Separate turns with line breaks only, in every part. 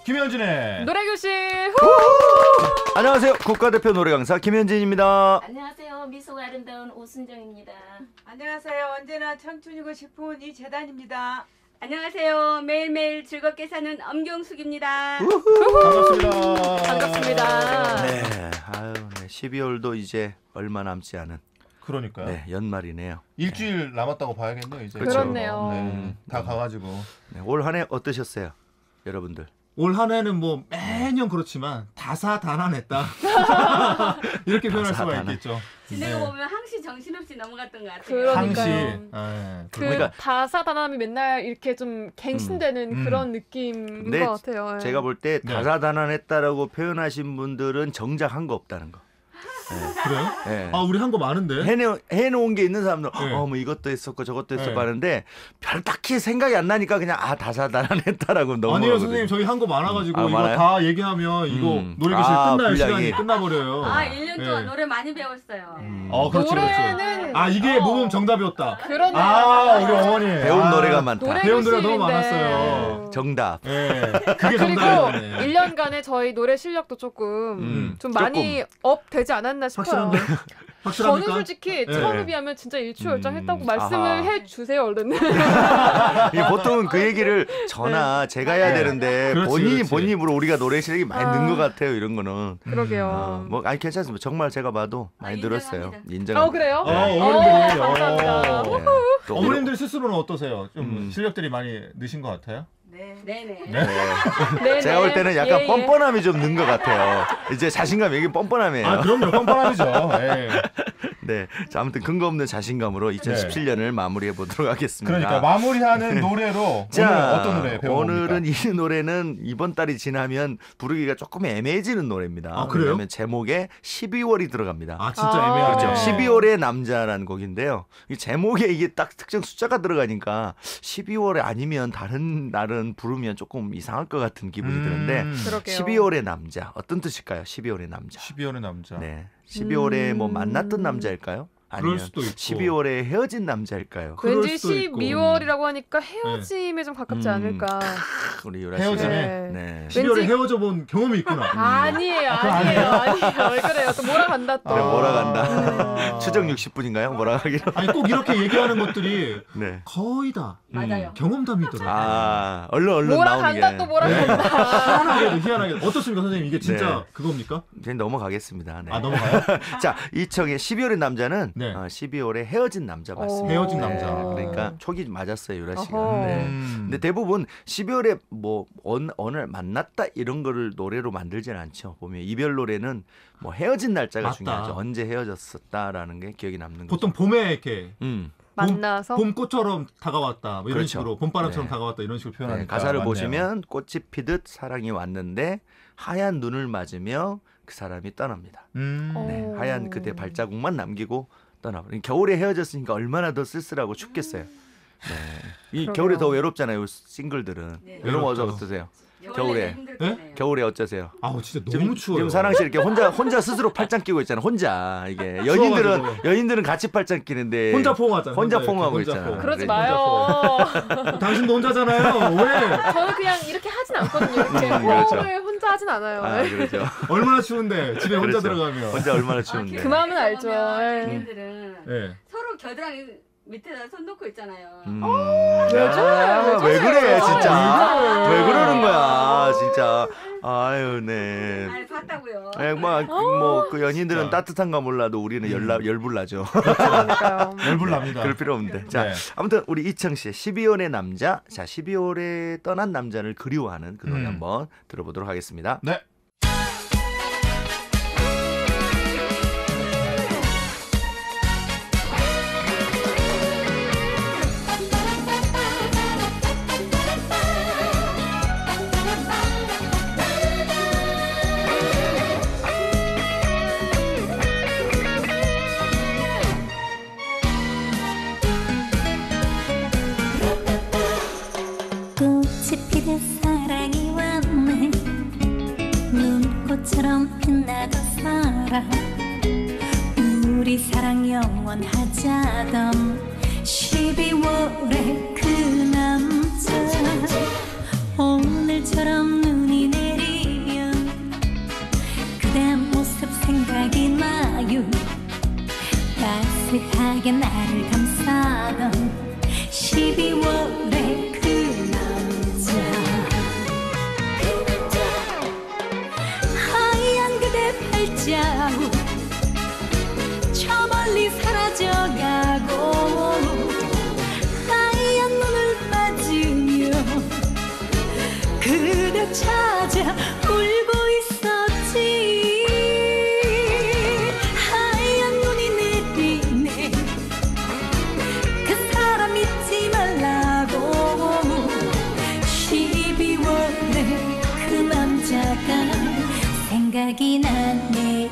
김현진의
노래교실.
안녕하세요. 국가대표 노래강사 김현진입니다.
안녕하세요. 미소가 아름다운 오순정입니다.
안녕하세요. 언제나 청춘이고 싶은 이재단입니다.
안녕하세요. 매일매일 즐겁게 사는 엄경숙입니다.
반갑습니다.
반갑습니다.
네, 아유, 네. 12월도 이제 얼마 남지 않은
그러니까요.
네, 연말이네요.
일주일 남았다고 봐야겠네요. 이제.
그렇네요.
네, 다 가가지고.
네, 올 한 해 어떠셨어요, 여러분들?
올 한 해는 뭐 매년 그렇지만 다사다난했다. 이렇게 표현할 수가
다사다난.
있겠죠.
지내고
네.
보면 항시 정신없이 넘어갔던 것 같아요.
그러니까요.
항시.
그
그러니까-
다사다남이 맨날 이렇게 좀 갱신되는 그런 느낌인
근데
것 같아요. 예.
제가 볼 때
네.
다사다난했다라고 표현하신 분들은 정작 한 거 없다는 거.
그래요?
네.
아, 우리 한 거 많은데.
해놓은 게 있는 사람들,
네.
뭐 이것도 했었고 저것도 했었고
네.
하는데 별 딱히 생각이 안 나니까 그냥 다사다난했다라고 넘어가거든요.
아니요, 선생님. 저희 한 거 많아가지고 이거
많아요?
다 얘기하면 이거 노래교실 끝날
분량이.
시간이 끝나버려요.
1년 동안
네.
노래 많이 배웠어요.
그렇죠,
노래는
그렇죠. 이게 모범 정답이었다.
그렇네요.
우리 어머니.
배운 노래가 많다.
배운 노래가 너무
노래교실인데.
많았어요.
정답.
네, 그게
그리고
정답이었네.
1년간의 저희 노래 실력도 조금 좀 많이 업 되지 않았나 싶어요.
확실한데? 확실합니까?
저는 솔직히
네.
처음에 비하면 진짜 일취월장했다고 말씀을
아하.
해주세요 얼른.
이게 보통은 그 얘기를 저나 제가 해야 되는데
그렇지.
본인 입으로 우리가 노래 실력이 많이 는 것 같아요. 이런 거는.
그러게요.
뭐 아니 괜찮습니다. 정말 제가 봐도 많이 늘었어요.
인정합니다.
인정합니다.
그래요?
어머님들이.
감사합니다.
네. 또
어머님들 스스로는 어떠세요? 좀 실력들이 많이 느신 것 같아요?
네네.
네네.
제가 볼 때는 약간
예.
뻔뻔함이 좀 는 것 같아요. 이제 자신감 이게 뻔뻔함이에요.
그럼요. 뻔뻔함이죠. 예.
네. 자, 아무튼 근거 없는 자신감으로 2017년을 마무리해 보도록 하겠습니다.
그러니까 마무리하는 노래로
자,
오늘은 어떤 노래 배워봅니까?
오늘은 이 노래는 이번 달이 지나면 부르기가 조금 애매해지는 노래입니다.
아, 그래요?
왜냐하면 제목에 12월이 들어갑니다.
진짜 애매하네.
그렇죠. 12월의 남자라는 곡인데요. 이 제목에 이게 딱 특정 숫자가 들어가니까 12월에 아니면 다른 날은 부르면 조금 이상할 것 같은 기분이 드는데
그러게요.
12월의 남자 어떤 뜻일까요? 12월의 남자.
12월의 남자.
네. 12월에 뭐 만났던 남자일까요? 아니면
그럴 수도 있고.
12월에 헤어진 남자일까요?
그럴
왠지
수도 있고.
12월이라고 하니까 헤어짐에 좀 가깝지 않을까.
우리 유라 씨가.
헤어짐에?
네.
12월에
왠지-
헤어져 본 경험이 있구나.
아니에요. 왜 그래요? 또 몰아간다 또.
그래, 몰아간다. 추정 60분인가요? 몰아가기로.
아니 꼭 이렇게 얘기하는 것들이
네.
거의 다
맞아요.
경험담이더라고요.
얼른 나오는 게.
몰아간다 또 몰아간다.
희한하게. 어떻습니까, 선생님? 이게 진짜
네.
그겁니까?
그냥 넘어가겠습니다. 네.
넘어가요?
자, 12월의 남자는
네.
12월에 헤어진 남자 맞습니다.
헤어진 남자.
그러니까 촉이 맞았어요, 유라 씨가.
어허.
네. 근데 대부분 12월에 뭐 어느 만났다 이런 거를 노래로 만들지는 않죠. 보면 이별 노래는 뭐 헤어진 날짜가
맞다.
중요하죠. 언제 헤어졌었다라는 게 기억이 남는 거죠.
보통 봄에 이렇게
만나서
봄꽃처럼 다가왔다. 뭐 이런
그렇죠.
식으로 봄바람처럼
네.
다가왔다 이런 식으로 표현하니까.
네, 가사를
맞네요.
보시면 꽃이 피듯 사랑이 왔는데 하얀 눈을 맞으며 그 사람이 떠납니다. 네, 하얀 그대 발자국만 남기고 떠나버린. 겨울에 헤어졌으니까 얼마나 더 쓸쓸하고 춥겠어요. 네. 이
그러게요.
겨울에 더 외롭잖아요. 싱글들은.
네.
여러분
외롭죠.
어떠세요? 겨울에.
힘들잖아요.
겨울에 어쩌세요?
아우 진짜 너무 추워요.
지금 사랑 씨 이렇게 혼자 스스로 팔짱 끼고 있잖아. 혼자 이게 여인들은 같이 팔짱 끼는데
혼자 포옹하잖아요.
혼자
혼자
포옹하고
이렇게,
있잖아.
혼자
그러지
그래.
마요.
당신도 혼자잖아요. 왜?
저는 그냥 이렇게 하진 않거든요. 이렇게
그렇죠.
호흡을 혼자 하진 않아요.
그렇죠.
얼마나 추운데 집에 혼자
그렇죠.
들어가면.
혼자 얼마나 추운데.
그 마음은 알죠.
연인들은
네.
서로 겨드랑이 밑에다 손 놓고 있잖아요.
왜 그래 진짜.
왜
왜 그러는 거야 진짜. 아유 네.
아니 봤다고요.
뭐그 연인들은
진짜.
따뜻한가 몰라도 우리는 열불나죠.
그러니까요.
열불납니다.
그럴 필요 없는데. 자,
네.
아무튼 우리 이청 씨의 12월의 남자. 자, 12월에 떠난 남자를 그리워하는 그 노래 한번 들어보도록 하겠습니다.
네.
꽃이 피듯 사랑이 왔네 눈꽃처럼 빛나던 사랑 우리 사랑 영원하자던 12월의 그 남자 오늘처럼 눈이 내리면 하자던 12월의 그 남자 하얀 그대 발자국 저 멀리 사라져가고 하얀 눈을 맞으며 그대 찾아 울고 있었지 하얀 눈이 내리네 그 사람 잊지 말라고 12월에 그 남자가 생각이 나네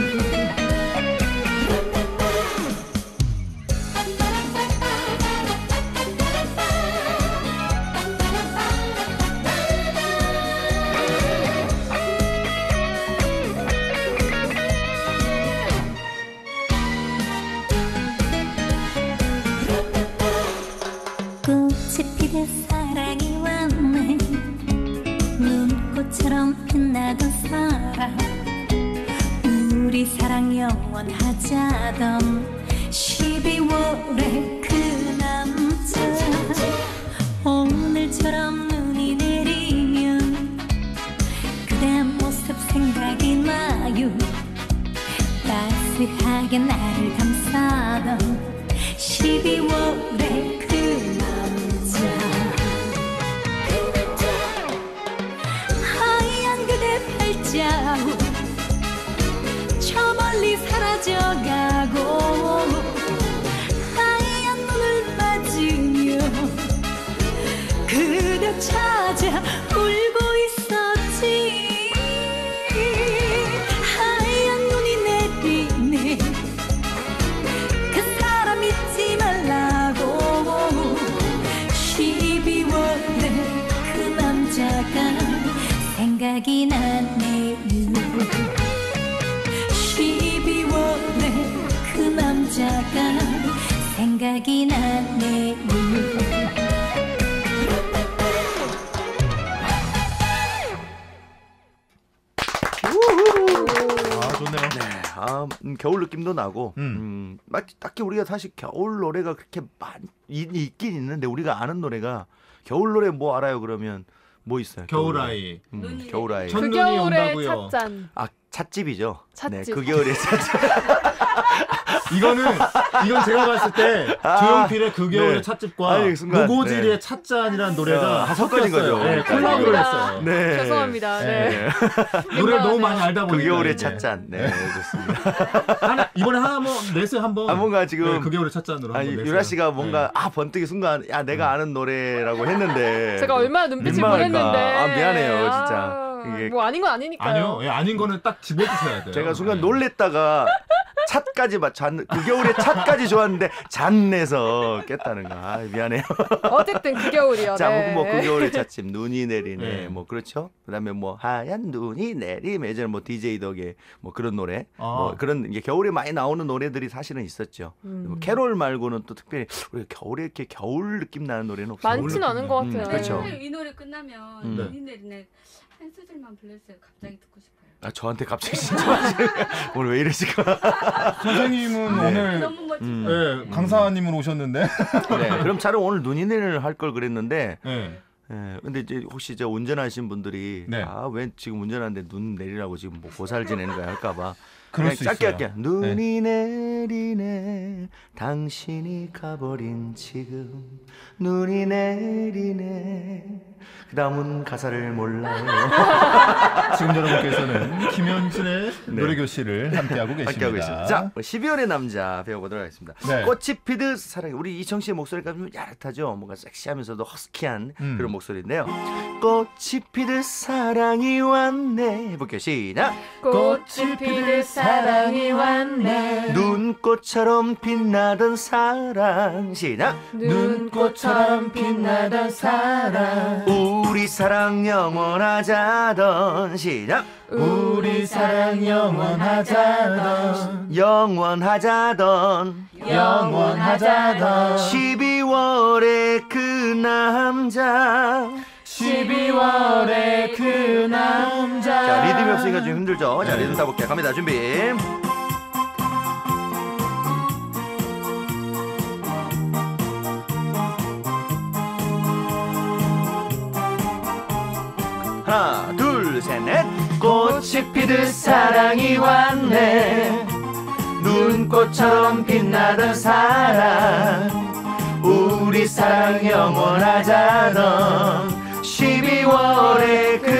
꽃이 피듯 사랑이 왔네 눈꽃처럼 빛나던 사랑 우리 사랑 영원하자던 12월의 그 남자 오늘처럼 눈이 내리면 그대 모습 생각이 나요 따스하게 나를 감싸던 12월의 그 남자 하얀 그대 발자국 저 멀리 사라져가고 하얀 눈을 맞으며 그대 찾아 울고 있었지 하얀 눈이 내리네 그 사람 잊지 말라고 12월에 그 남자가 생각이 나네요 12월에 그 남자가 생각이 나네요
아 좋네요.
네, 겨울 느낌도 나고, 딱히 우리가 사실 겨울 노래가 그렇게 많이 있긴 있는데 우리가 아는 노래가 겨울 노래 뭐 알아요? 그러면 뭐 있어요?
겨울아이.
겨울아이.
첫
그
눈이
겨울의
온다고요.
찻잔.
아 찻집이죠.
찻집.
네, 그 겨울의 찻집.
이건 제가 봤을 때 조용필의 그 겨울의
네.
찻집과
아니, 순간,
무고지리의
네.
찻잔이라는 노래가
섞어진 거죠.
네, 콜라보를 했어요.
네.
죄송합니다. 네.
노래를 너무 많이 알다
그
보니까
겨울의
이제.
찻잔. 네, 좋습니다.
이번에 하나 한번 내세요 한번.
뭔가 지금
네, 그 겨울의 찻잔으로
아니
한번 내세요.
유라 씨가 뭔가 번뜩이 순간 야 내가 아는 노래라고 했는데
제가 얼마나 눈빛을
민망할까.
보냈는데.
아 미안해요 진짜. 이게
뭐 아닌 건 아니니까요.
아니요, 예, 아닌 거는 딱 집어주셔야 돼요.
제가 순간
네.
놀랬다가 찻까지 그 겨울에 찻까지 좋았는데 잔내서 깼다는 거. 아, 미안해요.
어쨌든 그 겨울이요.
자,
네.
뭐 그 겨울의 찻집 눈이 내리네.
네.
뭐 그렇죠. 그다음에 뭐 하얀 눈이 내리면 예전에 뭐 DJ 덕의 뭐 그런 노래. 뭐 그런 이게 겨울에 많이 나오는 노래들이 사실은 있었죠. 뭐 캐롤 말고는 또 특별히 우리가 겨울에 이렇게 겨울 느낌 나는 노래는 없어요.
많지는 않은 것 같아요.
그렇죠.
이 노래 끝나면 눈이 내리네 한 소절만 불러주세요. 갑자기 듣고 싶어요.
아 저한테 갑자기 진짜 오늘 왜 이러실까?
선생님은 오늘
너무 멋지고.
네, 강사님은 오셨는데.
네, 그럼 차라리 오늘 눈이 내리는 할 걸 그랬는데.
네.
예, 근데 이제 혹시 저 운전하신 분들이
네.
왜 지금 운전하는데 눈 내리라고 지금 뭐 고사를 지내는 거야 할까봐
그럴 수
짧게
있어요.
할게. 눈이 내리네 당신이 가버린 지금 눈이 내리네 그 다음은 가사를 몰라요.
지금 여러분께서는 김현진의 노래교실을 함께하고 계십니다.
함께하고 있습니다. 자, 12월의 남자 배워보도록 하겠습니다.
네.
꽃이 피듯 사랑해. 우리 이청 씨의 목소리가 좀 야릇하죠. 뭔가 섹시하면서도 허스키한 그런 목소리인데요. 꽃이 피듯 사랑이 왔네. 해볼게요. 시작.
꽃이 피듯 사랑이 왔네.
눈꽃처럼 빛나던 사랑. 시작.
눈꽃처럼 빛나던 사랑.
우리 사랑 영원하자던. 시작.
우리 사랑 영원하자던
영원하자던 12월의 그 남자
12월의 그 남자.
자 리듬이 없으니까 좀 힘들죠. 자 리듬 타볼게요. 갑니다. 준비. 꽃이 피듯 사랑이 왔네. 눈꽃처럼 빛나던 사랑 우리 사랑 영원하자던 12월의 그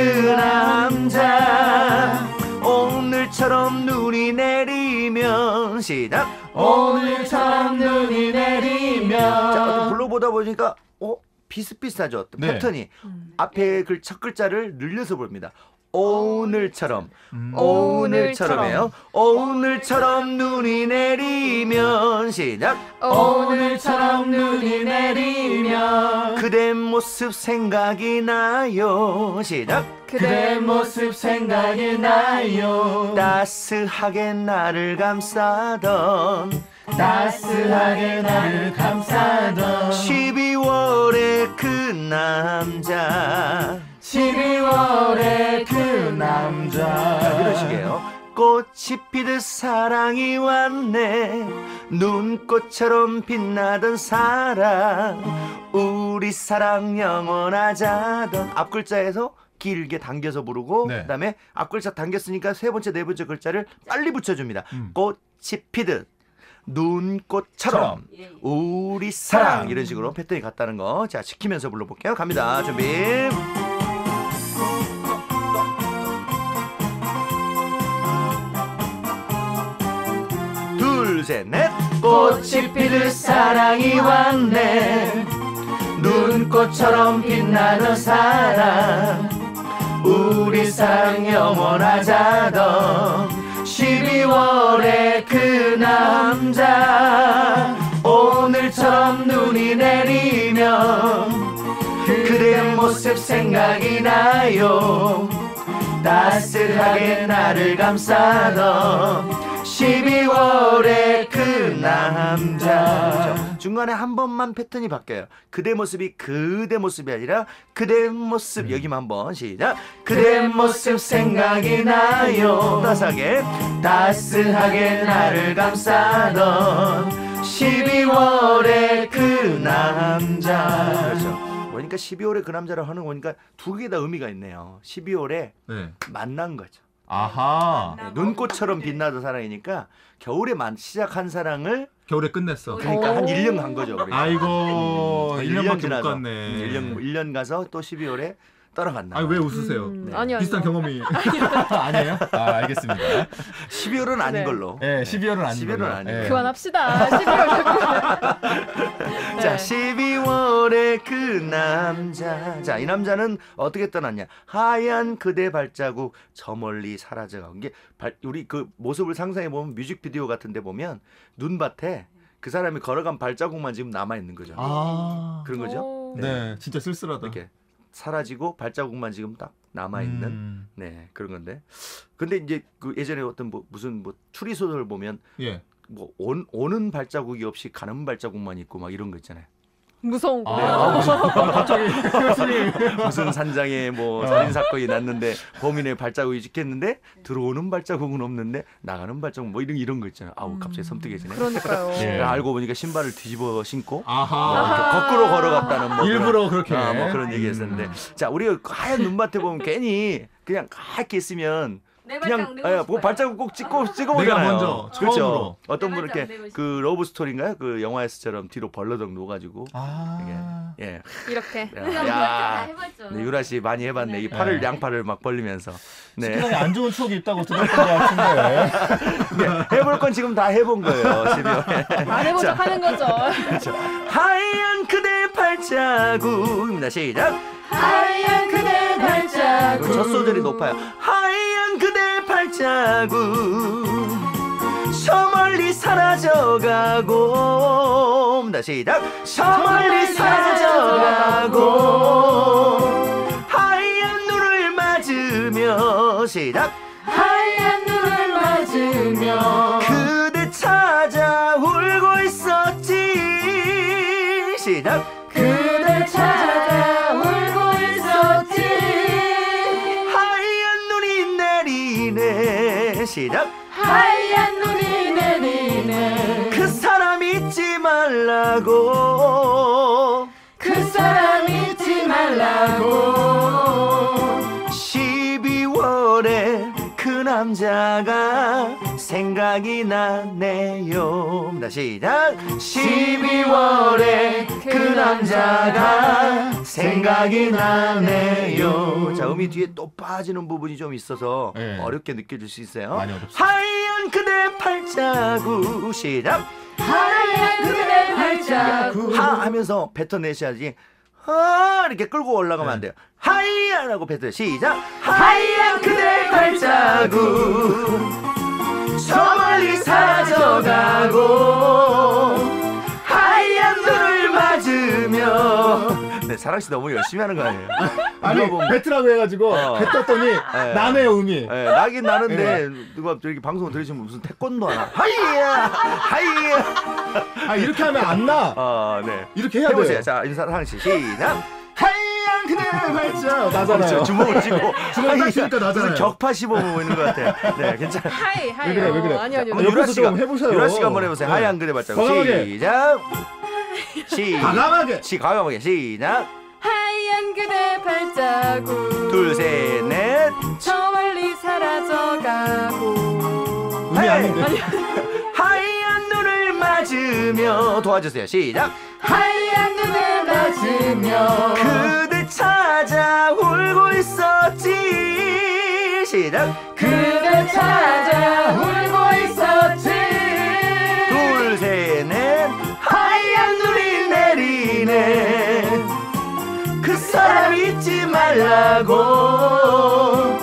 남자 오늘처럼 눈이 내리면 시작 오늘처럼 눈이 내리면 자, 불러보다 보니까 비슷비슷하죠.
네.
패턴이 앞에 첫 글자를 늘려서 부릅니다. 오늘처럼 오늘처럼이에요. 오늘처럼 눈이 내리면 시작
오늘처럼 눈이 내리면
그대 모습 생각이 나요. 시작
그대 모습 생각이 나요.
따스하게 나를 감싸던
따스하게 나를 감싸던
12월의 그 남자
12월의 그 남자
이런 식이에요. 꽃이 피듯 사랑이 왔네. 눈꽃처럼 빛나던 사랑 우리 사랑 영원하자던 앞글자에서 길게 당겨서 부르고
네.
그다음에 앞글자 당겼으니까 세 번째 네 번째 글자를 빨리 붙여줍니다. 꽃이 피듯 눈꽃처럼
예, 예.
우리 사랑 이런 식으로 패턴이 같다는 거 자 지키면서 불러볼게요. 갑니다. 준비 둘 셋 넷 꽃이 피듯 사랑이 왔네. 눈꽃처럼 빛나는 사랑 우리 사랑 영원하자던 12월의 그 남자 오늘처럼 눈이 내리면 그대 모습 생각이 나요. 따스하게 나를 감싸던 12월의 그 남자 중간에 한 번만 패턴이 바뀌어요. 그대 모습이 그대 모습이 아니라 그대 모습 여기만 한번 시작 그대 모습 생각이 나요. 따스하게 나를 감싸던 12월의 그 남자 그렇죠. 그러니까 12월의 그 남자라고 하는 거니까 두 개 다 의미가 있네요. 12월에
네.
만난 거죠.
아하
네, 눈꽃처럼 빛나던 사랑이니까 겨울에 시작한 사랑을
겨울에 끝냈어.
그러니까 한 1년 간 거죠. 그러니까.
아이고 1년밖에 못 갔네.
1년 가서 또 12월에 떠나갔나.
아니 왜 웃으세요?
아니요.
비슷한 경험이 아니에요? 아 알겠습니다.
12월은 아닌
네.
걸로.
네, 12월은 아닌
12월은
걸로.
아닌
네.
그만합시다. 12월
자, 12월의 그 남자. 자, 이 남자는 어떻게 떠났냐? 하얀 그대 발자국 저 멀리 사라져가고 이게 우리 그 모습을 상상해 보면 뮤직비디오 같은데 보면 눈밭에 그 사람이 걸어간 발자국만 지금 남아 있는 거죠.
아
그런 거죠.
네, 진짜 쓸쓸하다.
이렇게 사라지고 발자국만 지금 딱 남아 있는 네 그런 건데. 근데 이제 그 예전에 어떤 무슨 추리 소설 보면
예.
오는 발자국이 없이 가는 발자국만 있고 막 이런 거 있잖아요.
무서운 거.
갑자기 교수님
무슨 산장에 살인 사건이 났는데 범인의 발자국이 찍혔는데 들어오는 발자국은 없는데 나가는 발자국 이런 거 있잖아요. 아우 갑자기 섬뜩해지네.
그러니까요.
예.
알고 보니까 신발을 뒤집어 신고
아하
거꾸로 걸어갔다는
일부러 그렇게
그런 얘기했었는데 자 우리가 하얀 눈밭에 보면 괜히 그냥 하얗게 있으면
내
그냥
발자국 내고 싶어요.
발자국 꼭 찍어보잖아요.
내가 먼저
그렇죠.
처음으로.
어떤
내
분은
발자국
이렇게
내고
그 러브 스토리인가요? 그 영화에서처럼 뒤로 벌러덩 누워가지고 예.
이렇게.
다 해봤죠.
네, 유라 씨 많이 해봤네. 이
네.
팔을 양팔을 막 벌리면서. 네.
식구장에 안 좋은 추억이 있다고 들었던 것 같은데.
네, 해볼 건 지금 다 해본 거예요. 12월에.
안 해본 척 하는 거죠.
하얀 그대 발자국입니다. 시작.
하얀 그대 발자국.
첫 소절이 높아요. 하얀 그대 발자국 저 멀리 사라져가고 시작. 저 멀리 사라져가고 하얀 눈을 맞으며 시작.
하얀 눈을 맞으며
그대 찾아 울고 있었지 시작.
그대 찾아 울고 있었지.
하얀 눈이 내리네 시작.
하얀 눈이 내리네.
그 사람 잊지 말라고
그 사람 잊지 말라고.
12월의 그 남자가 생각이 나네요. 시작. 12월에 그 남자가 생각이 나네요. 자, 음이 뒤에 또 빠지는 부분이 좀 있어서
네.
어렵게 느껴질 수 있어요.
많이 어렵습니다.
하얀 그대 발자국. 시작.
하얀 그대 발자국.
하 하면서 뱉어내셔야지. 이렇게 끌고 올라가면 안 돼요. 하얀하고 뱉어요. 시작. 하얀 그대 발자국 저 멀리 사라져가고 하얀 눈을 맞으며. 네, 사랑씨 너무 열심히 하는 거 아니에요?
아니
누가 보면-
뱉으라고 해가지고 뱉었더니 나네요 음이.
네, 나긴 나는데 누가 저기 방송 들으시면 무슨 태권도 하나 하이야 하이야.
아 이렇게 하면 안 나.
네.
이렇게 해야
해보세요.
돼요.
자, 사랑씨 시작.
하얀 그대 발자 나잖아요.
그렇죠. 주먹을 쥐고
주먹 딱 쥐니까 나잖아요.
무슨 격파 시범 있는 것 같아요. 네, 괜찮아.
하이 하이.
왜 그래, 왜 그래?
아니 아니.
한번
옆에서
유라 씨가
좀 해보세요.
유라 씨가 한번 해보세요.
네.
하얀 그대 발자국.
과감하게.
시작.
과감하게.
과감하게 시작.
하얀 그대 발자국.
둘, 셋, 넷.
저 멀리 사라져가고.
음이 아닌데.
하얀 눈을 맞으며 도와주세요. 시작.
하얀 눈을 맞으며
그대 찾아 울고 있었지. 시작.
그대 찾아 울고 있었지.
둘, 셋, 넷. 하얀 눈이 내리네. 그 사람 잊지 말라고.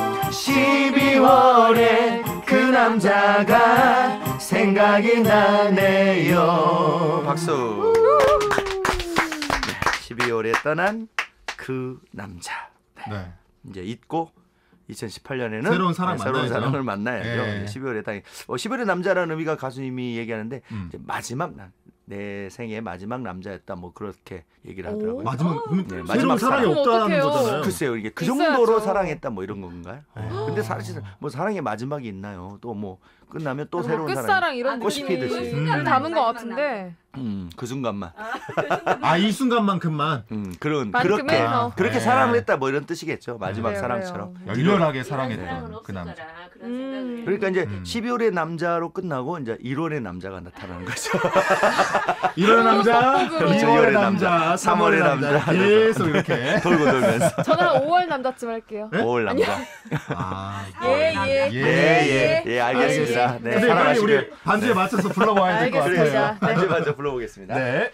12월에 그 남자가 생각이 나네요. 박수. 네, 12월에 떠난 그 남자.
네.
이제 잊고 2018년에는
새로운 사람
새로운
만나야죠.
사람을 만나야죠.
네.
12월에 딱 12월의 남자라는 의미가 가수님이 얘기하는데 이제 마지막 내 생의 마지막 남자였다 뭐 그렇게 얘기를 하더라고요.
마지막
네,
새로운
마지막
사랑이
사랑.
없다는
어떡해요.
거잖아요.
글쎄요, 이게 그
있어야죠.
정도로 사랑했다 뭐 이런 건가요? 근데 사실 뭐 사랑의 마지막이 있나요? 또 뭐 끝나면 또 새로운 사랑.
끝사랑 이런
꽃이
느낌이
피듯이.
담은 것 같은데.
그 순간만.
아 이 순간만큼만
그런
만큼의
그렇게
더.
그렇게
네.
사랑을 했다 뭐 이런 뜻이겠죠. 마지막
그래요,
사랑처럼.
그래요.
열렬하게
사랑은
사랑했던 그
없을
남자.
거라 그런 생각을.
그러니까 이제 12월의 남자로 끝나고 이제 1월의 남자가 나타나는 거죠.
1월의 남자,
그렇죠.
2월의 남자, 3월의
3월의
남자
남자.
계속 이렇게.
돌고 돌면서.
저는 한 5월 남자쯤 할게요.
네?
5월 남자.
아,
예.
예, 알겠습니다. 네,
근데 빨리
사랑하시길.
우리 반주에 맞춰서 불러봐야 될 것
알겠습니다.
같아요.
반주 반주 불러보겠습니다.
네.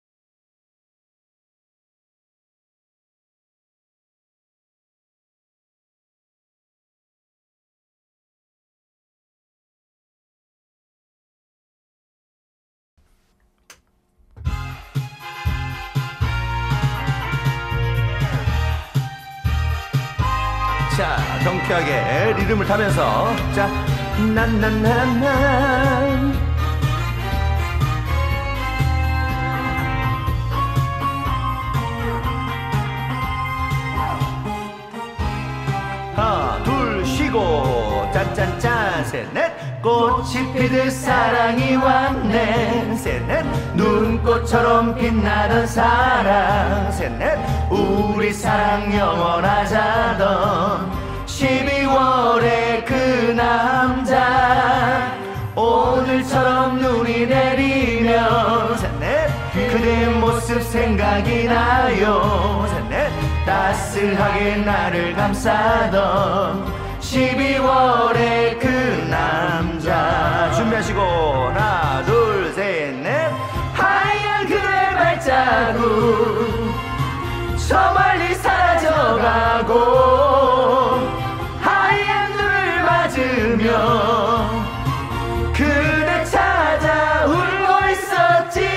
자, 경쾌하게 리듬을 타면서 자, 난난난난. 하나, 둘, 쉬고 짠짠짠 셋넷. 꽃이 피듯 사랑이 왔네. 셋넷. 눈꽃처럼 빛나던 사랑. 셋넷. 우리 사랑 영원하자던 12월의 그 남자. 오늘처럼 눈이 내리면 셋넷. 그대 모습 생각이 나요. 셋넷. 따스하게 나를 감싸던 12월의 그 남자. 준비하시고 하나 둘 셋 넷. 하얀 그대 발자국 저 멀리 사라져가고 하얀 눈을 맞으며 그대 찾아 울고 있었지.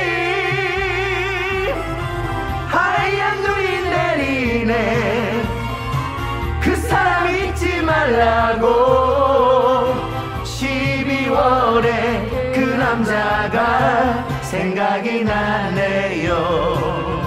하얀 눈이 내리네. 그 사람 잊지 말라고. 12월에 그 남자가 생각이 나네요.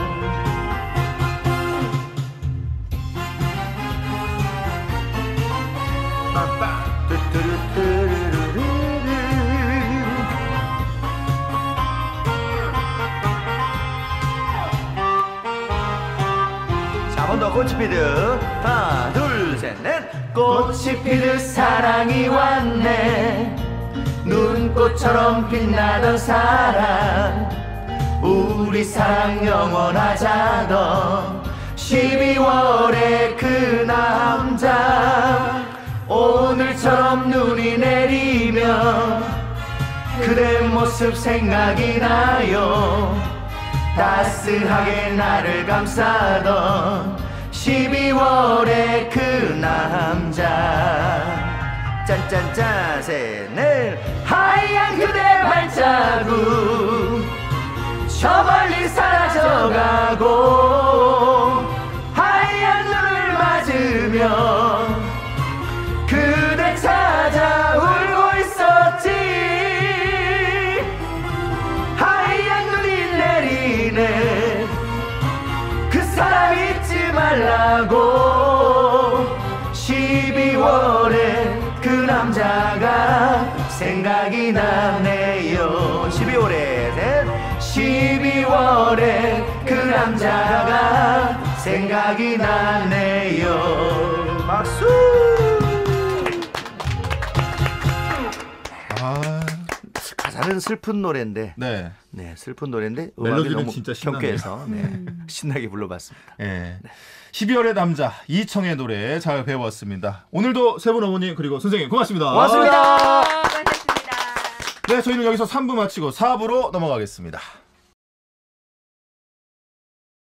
자, 한 번 더 꽃이 피듯 하나 둘 셋 넷. 꽃이 피듯 사랑이 왔네. 눈꽃처럼 빛나던 사랑, 우리 사랑 영원하자던 12월의 그 남자. 오늘처럼 눈이 내리면 그대 모습 생각이 나요. 따스하게 나를 감싸던 12월의 그 남자. 짠짠짠 셋넷. 하얀 그대 발자국 저 멀리 사라져가고, 하얀 눈을 맞으며 그대 찾아 울고 있었지. 하얀 눈이 내리네. 그 사람 잊지 말라고. 12월에 그 남자가 생각이 나네요. 12월에 셋. 12월에 그 남자가 생각이 나네요. 박수. 가사는 슬픈 노래인데, 네, 슬픈 노래인데
멜로디는
너무
진짜 신나네요.
경쾌해서 신나게 불러봤습니다.
네. 12월의 남자 이청의 노래 잘 배워왔습니다. 오늘도 세 분 어머님 그리고 선생님 고맙습니다.
고맙습니다.
수고하셨습니다.
네, 저희는 여기서 3부 마치고 4부로 넘어가겠습니다.